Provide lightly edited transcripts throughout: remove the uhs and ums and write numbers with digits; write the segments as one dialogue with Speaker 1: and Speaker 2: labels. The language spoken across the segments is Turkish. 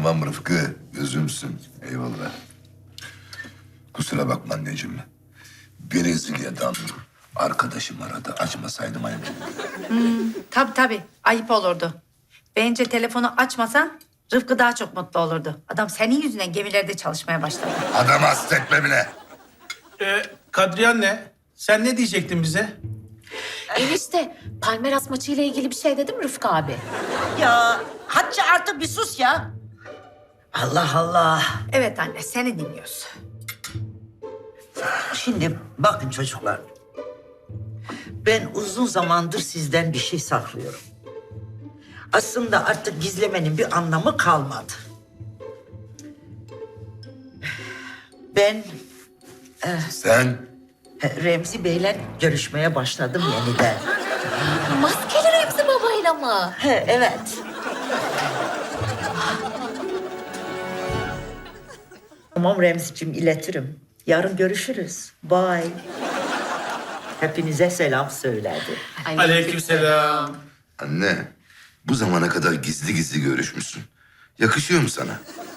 Speaker 1: Tamam Rıfkı, gözümsün. Eyvallah. Kusura bakma anneciğim. Brezilya'dan arkadaşım aradı. Açmasaydım ayıp.
Speaker 2: Tabii ayıp olurdu. Bence telefonu açmasan Rıfkı daha çok mutlu olurdu. Adam senin yüzünden gemilerde çalışmaya başladı.
Speaker 1: Adam hasretme bile.
Speaker 3: Kadriye anne, sen ne diyecektin bize?
Speaker 4: Enişte, Palmeras maçıyla ilgili bir şey dedim Rıfkı abi.
Speaker 5: Ya Hatice artık bir sus ya. Allah Allah.
Speaker 2: Evet anne seni dinliyoruz.
Speaker 5: Şimdi bakın çocuklar. Ben uzun zamandır sizden bir şey saklıyorum. Aslında artık gizlemenin bir anlamı kalmadı. Ben
Speaker 1: Sen
Speaker 5: Remzi Bey'le görüşmeye başladım yeniden.
Speaker 4: Maskeli Remzi babayla mı?
Speaker 5: Evet. Tamam Remzi'cim iletirim. Yarın görüşürüz. Bye. Hepinize selam söyledi.
Speaker 3: Aleykümselam.
Speaker 1: anne, bu zamana kadar gizli gizli görüşmüşsün. Yakışıyor mu sana?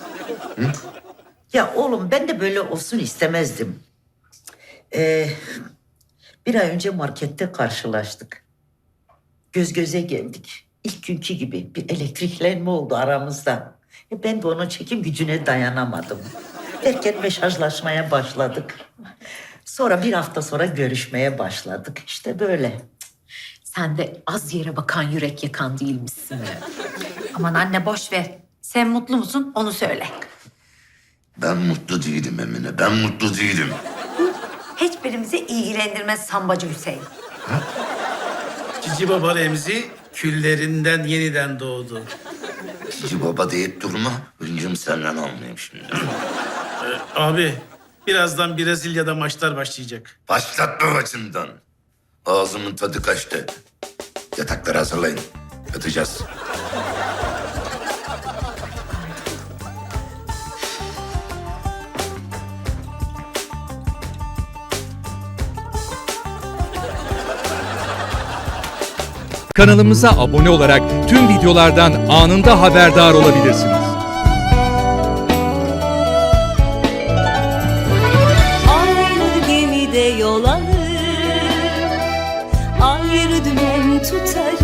Speaker 5: Ya oğlum ben de böyle olsun istemezdim. Bir ay önce markette karşılaştık. Göz göze geldik. İlk günkü gibi bir elektriklenme oldu aramızda. Ben de onun çekim gücüne dayanamadım. Derken mesajlaşmaya başladık. Sonra bir hafta sonra görüşmeye başladık. İşte böyle.
Speaker 4: Sen de az yere bakan yürek yakan değilmişsin.
Speaker 2: Aman anne boş ver. Sen mutlu musun onu söyle.
Speaker 1: Ben mutlu değilim Emine, ben mutlu değilim.
Speaker 2: Hiçbirimizi ilgilendirmez sambacı Hüseyin.
Speaker 3: Cici baba Remzi küllerinden yeniden doğdu.
Speaker 1: Cici baba deyip durma. Hıncım senden almayayım şimdi.
Speaker 3: Abi, birazdan Brezilya'da maçlar başlayacak.
Speaker 1: Başlatma başımdan. Ağzımın tadı kaçtı. Yatakları hazırlayın. Yatacağız.
Speaker 6: Kanalımıza abone olarak tüm videolardan anında haberdar olabilirsiniz.
Speaker 7: Aynı gemide yol alır, ayrı dümen tutarız.